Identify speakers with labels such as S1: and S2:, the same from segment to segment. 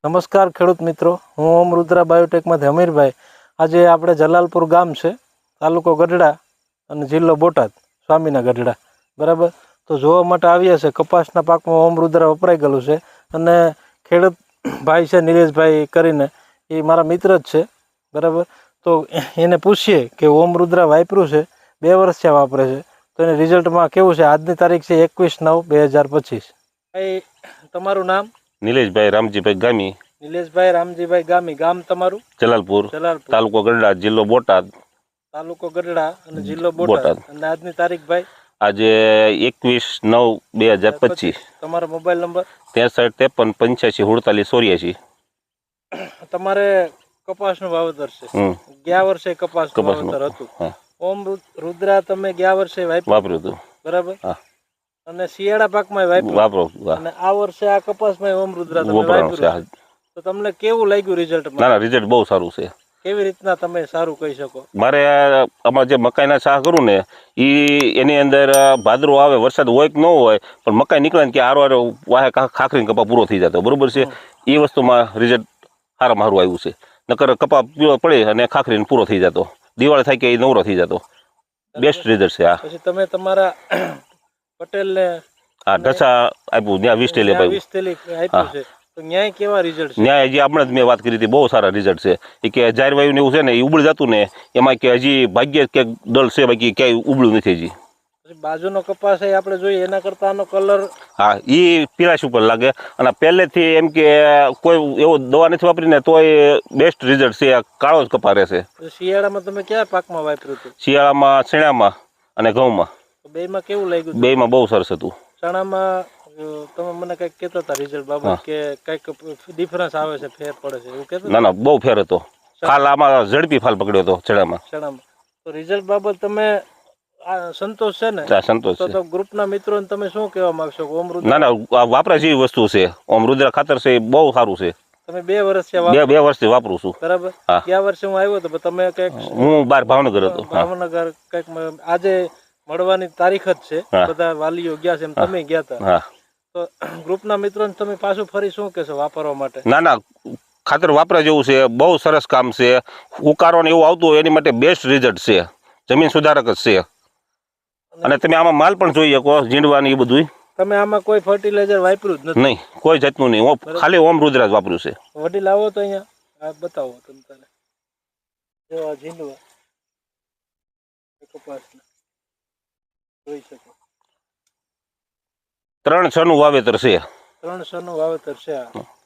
S1: નમસ્કાર ખેડૂત મિત્રો, હું ઓમ રુદ્રા બાયોટેકમાંથી અમીરભાઈ. આજે આપણે જલાલપુર ગામ છે, તાલુકો ગઢડા અને જિલ્લો બોટાદ, સ્વામીના ગઢડા, બરાબર. તો જોવા માટે આવ્યા છે. કપાસના પાકમાં ઓમ રુદ્રા વપરાઈ ગયેલું છે અને ખેડૂત ભાઈ છે નિલેશભાઈ કરીને, એ મારા મિત્ર જ છે, બરાબર. તો એને પૂછીએ કે ઓમ રુદ્રા વાપર્યું છે, 2 વર્ષ થયા વાપરે છે, તો એને રિઝલ્ટમાં કેવું છે. આજની તારીખ છે 21/9/2025. ભાઈ, તમારું નામ?
S2: નિલેશભાઈ રામજીભાઈ ગામી.
S1: નિલેશભાઈ રામજીભાઈ ગામી. ગામ તમારું?
S2: જલાલપુર, તાલુકો ગઢડા, જિલ્લો બોટાદ.
S1: તાલુકો ગઢડા અને જિલ્લો બોટાદ. અને આજની તારીખ ભાઈ?
S2: આજે 21/9/2025.
S1: તમારો મોબાઈલ નંબર?
S2: 63 53 85 48.
S1: તમારે કપાસનું વાવેતર છે, ગયા વર્ષે કપાસનું વાવેતર હતું. ઓમ રુદ્રા તમે ગયા વર્ષે વાપર્યું હતું, બરાબર? અને શિયાળા પાકમાં વાપરો અને આ વર્ષે આ કપાસમાં ઓમ રુદ્રા તમે વાપર્યું, તો તમને કેવું લાગ્યું રિઝલ્ટ?
S2: ના, રિઝલ્ટ બહુ સારું છે.
S1: કેવી રીતના તમે સારું કહી શકો?
S2: મારે આમાં જે મકાઈના શાહ કરું ને, એની અંદર ભાદરો આવે, વરસાદ હોય કે ન હોય, પણ મકાઈ નીકળે ને કે આરો વાહે ખાખરીને કપા પૂરો થઈ જતો, બરોબર છે. એ વસ્તુમાં રિઝલ્ટ સારામાં સારું આવ્યું છે. નકર કપા પીળો પડે અને ખાખરીને પૂરો થઈ જતો, દિવાળી થાય કે એ નવરો થઈ જતો. બેસ્ટ રિઝલ્ટ છે આ.
S1: પછી તમે તમારા પટેલને
S2: ઢસા આપ્યું, ત્યાં 20 થેલી
S1: આપ્યું છે, તો ન્યાય કેવા રિઝલ્ટ છે?
S2: ન્યાય હજી આપણે જ મેં વાત કરી હતી, બહુ સારા રિઝલ્ટ છે. એ કે જાહેર વાયુ ને એવું છે ને, એ ઉબળી જતું ને, એમાં કે હજી ભાગ્ય કે દળ છે, બાકી ક્યાંય ઉબળ્યું નથી હજી.
S1: બાજુનો કપાસ આપણે જોઈએ એના કરતા આનો કલર,
S2: હા, એ પીળાશ ઉપર લાગે. અને પહેલેથી એમ કે કોઈ એવો દવા નથી વાપરીને તોય બેસ્ટ રિઝલ્ટ છે. કાળો જ કપા રહેશે.
S1: શિયાળામાં તમે કયા પાકમાં વાપર્યું હતું?
S2: શિયાળામાં ચણામાં અને ઘઉંમાં.
S1: બેમાં કેવું લાગ્યું?
S2: બેમાં બહુ સરસ હતું.
S1: ચણામાં તમે મને કંઈક કહેતા હતા રિઝલ્ટ બાબત કે કંઈક ડિફરન્સ આવે છે, ફેર પડે છે, એવું કહેતા?
S2: ના, બહુ ફેર હતો. ફાલ આમાં ઝડપી ફાલ પકડ્યો હતો ચણામાં.
S1: તો રિઝલ્ટ બાબત તમે સંતોષ છે ને?
S2: સંતોષ છે.
S1: તો ગ્રુપના મિત્રોને તમે શું કહેવા માંગશો? ઓમ રુદ્રા,
S2: ના, વાપરા જેવી વસ્તુ છે. ઓમ રુદ્રા ખાતર છે, બહુ સારું છે.
S1: તમે 2 વર્ષથી
S2: બે વર્ષથી વાપરું છું,
S1: બરાબર? ગયા વર્ષે હું આવ્યો હતો, તમે કંઈક,
S2: હું બહાર ભાવનગર હતો.
S1: ભાવનગર કંઈક આજે મળવાની તારીખ જ છે, બધા વાલીઓ ગયા છે, એમ તમે ગયા હતા. તો ગ્રુપના મિત્રોને તમે પાછું ફરી શું કહેશો વાપરવા માટે?
S2: ના, ખાતર વાપરા જેવું છે, બહુ સરસ કામ છે. ઉકારો ને એવું આવતું હોય એની માટે બેસ્ટ રિઝલ્ટ છે. જમીન સુધારક જ છે. અને તમે આમાં માલ પણ જોઈ શકો, ઝીંડવાની એ બધું.
S1: તમે આમાં કોઈ ફર્ટિલાઇઝર વાપર્યું જ નથી?
S2: નહીં, કોઈ જાતનું નહીં. ખાલી ઓમ રુદ્રા જ વાપર્યું છે.
S1: વડીલ આવો તો અહીંયા બતાવો તમે તારે. જો આ ઝીંડવા કપાસના જોઈ શકો,
S2: 3 નું વાવેતર છે.
S1: 3 નું વાવેતર છે.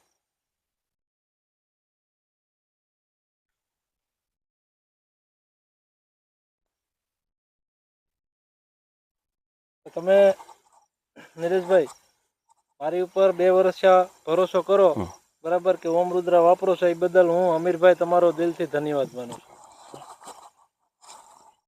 S1: તમે નિલેશભાઈ મારી ઉપર 2 વર્ષ ભરોસો કરો, બરાબર, કે ઓમ રુદ્રા વાપરો છો, એ બદલ હું અમીરભાઈ તમારો દિલથી ધન્યવાદ માનું છું.